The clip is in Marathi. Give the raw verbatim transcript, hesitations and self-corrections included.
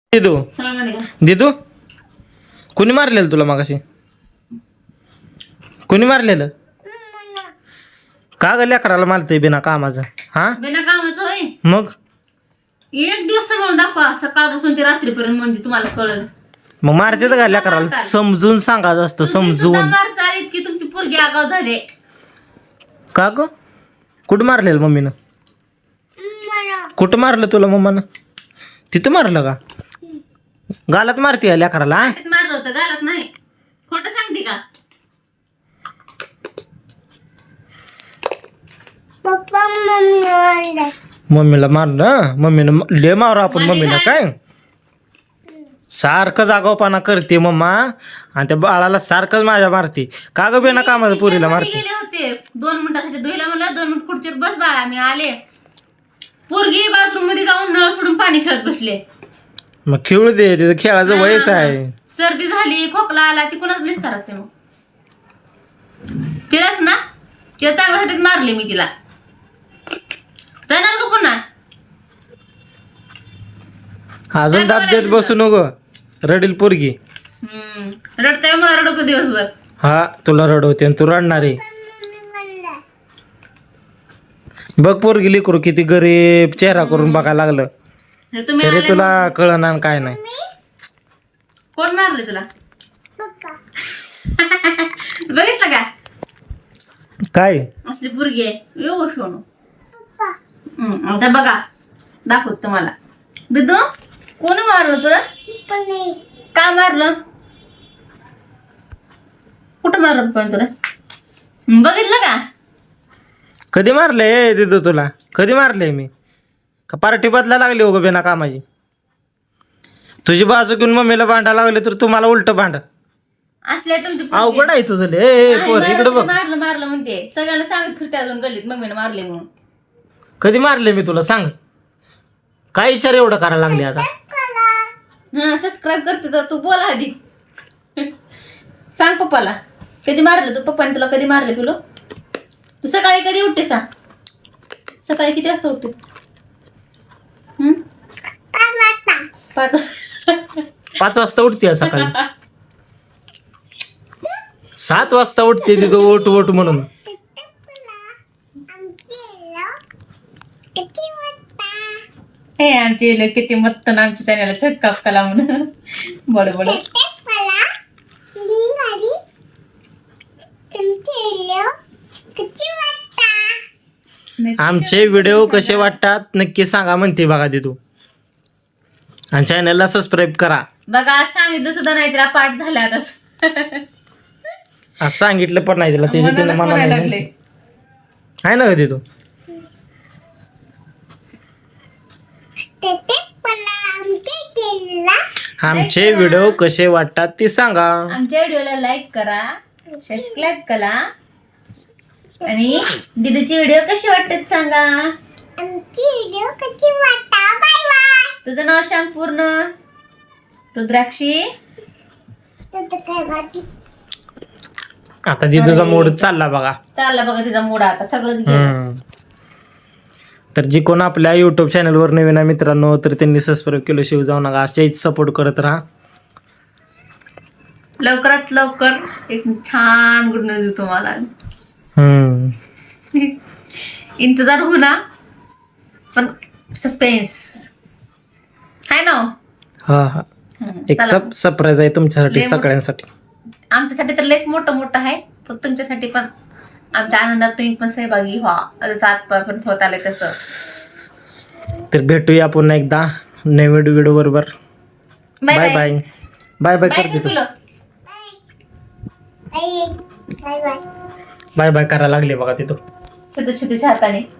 दिदू दिदू कुणी मारलेलं तुला मगाशी? कुणी मारलेलं? का ग लेकराला मारते बिना कामाचं? हा बिना कामाचं होय. मग एक दिवस समोर दाखवा सकाळपासून ते रात्रीपर्यंत म्हणजे तुम्हाला कळलं. मग मारते का लेकराला? समजून सांगायचं असतं, समजून. मार चालीत की तुमची पोरगी आगाव झाले. का ग कुठं मारलेलं मम्मीनं? कुठं मारलं तुला मम्मानं? तिथं मारलं का? गालात मारते लेकराला? मारलं होतं गालात नाही. खोटं सांगते का? मम्मीला मारलं. मम्मीनं ले मारू आपण मम्मीला. काय सारखं जागावपणा करते मम्मा आणि त्या बाळाला सारखंच माझ्या मारते. का ग बेना कामाचं पुरीला मारते? गेले होते दोन मिनिटासाठी धुईला म्हणलं दोन मिनिट खुर्चीवर बस बाळा मी आले. पोरगी बाथरूम मध्ये जाऊन नळ सोडून पाणी खेळत बसले. मग खेळू दे, तिचं खेळाचं वयच आहे. सर्दी झाली खोकला आला ती कुणाच निस्तारायचं मग तिलाच ना. तिला चांगल्यासाठीच मारले मी तिला. जाणार का पुन्हा? अजून दाब देत बसू नको, रडील पोरगी. हम्म रडताय मला रडको दिवसभर. हा तुला रडवते आणि तू रडणार आहे. बघ पोरगी लेकरू किती गरीब चेहरा करून बघायला लागलं तुम्ही तरी आले तुला कळणार काय नाही. कोण मारले तुला? बघितलं का काय असली पोरगी आहे येऊ शोनू. आता बघा दाखवत तुम्हाला. बिदू कोण मारलं तुला? का मारलं? कुठं मारलं पण तुला? बघितलं का? कधी मारले दिदू तुला? कधी मारले मी? का पार्टी बदला लागली हो ग बिना कामाची? तुझी बाजू घेऊन मम्मीला भांडा लागले तर तुम्हाला उलट भांड असले तुमची अवघड आहे तुझं. ए पोर इकडे बघ. मारलं मारलं म्हणते सगळ्यांना सांगत फिरते अजून गल्लीत मम्मीने मारले म्हणून. कधी मारले मी तुला सांग? काय विचार एवढं करायला लागले आता? हा सबस्क्राईब करते तर तू बोला आधी. सांग पप्पाला कधी मारलं तू? पप्पाने तुला कधी मारले तुला? तू सकाळी कधी उठते सांग? सकाळी किती वाजता उठते? हम्म पाच पाच वाजता उठते सकाळी. सात वाजता उठते तिथं ओट ओट म्हणून. हे आमचे लोक किती मत्त ना आमच्या चॅनलला छक्का कला म्हणून बड बड. आमचे व्हिडिओ कसे वाटतात नक्की सांगा म्हणते बघा ते तू. आणि चॅनलला सबस्क्राईब करा. बघा सांगितलं सुद्धा नाही तिला पाठ झाला आता. असं सांगितलं पण नाही तिला त्याची तिने मला लागले आहे ना कधी तू. आमचे व्हिडिओ कसे वाटतात ते सांगा. आमच्या व्हिडिओला लाईक करा सबस्क्राईब करा आणि दीदीचे व्हिडिओ कसे वाटतात सांगा. आमची व्हिडिओ कशी वाटतात. Bye bye. तुझं नाव सांग पूर्ण. रुद्राक्षी. आता दिदूचा मूड चालला बघा. चालला बघा तिचा मूड आता सगळंच गेलं. तर जी कोण आपल्या युट्यूब चॅनलवर नवीन आहे मित्रांनो तर त्यांनी सबस्क्राईब केलं शिव जाऊ नका. असेच सपोर्ट करत राहा. लवकरात लवकर एक छान गुड न्यूज देतो मला. हम्म इंतजार हो ना पण सस्पेन्स आहे ना. हा हा एक सब सरप्राईज आहे तुमच्यासाठी सगळ्यांसाठी. आमच्यासाठी तर लयच मोठं मोठं आहे पण तुमच्यासाठी पण आमच्या आनंदात तुम्ही पण सहभागी व्हा. सात पर्यंत होत आले तसं. तर भेटूया पुन्हा एकदा नवीन व्हिडिओ बरोबर. बाय बाय बाय बाय करते तू. बाय बाय करायला लागले बघा तिथं छोट्या छोट्याच्या हाताने.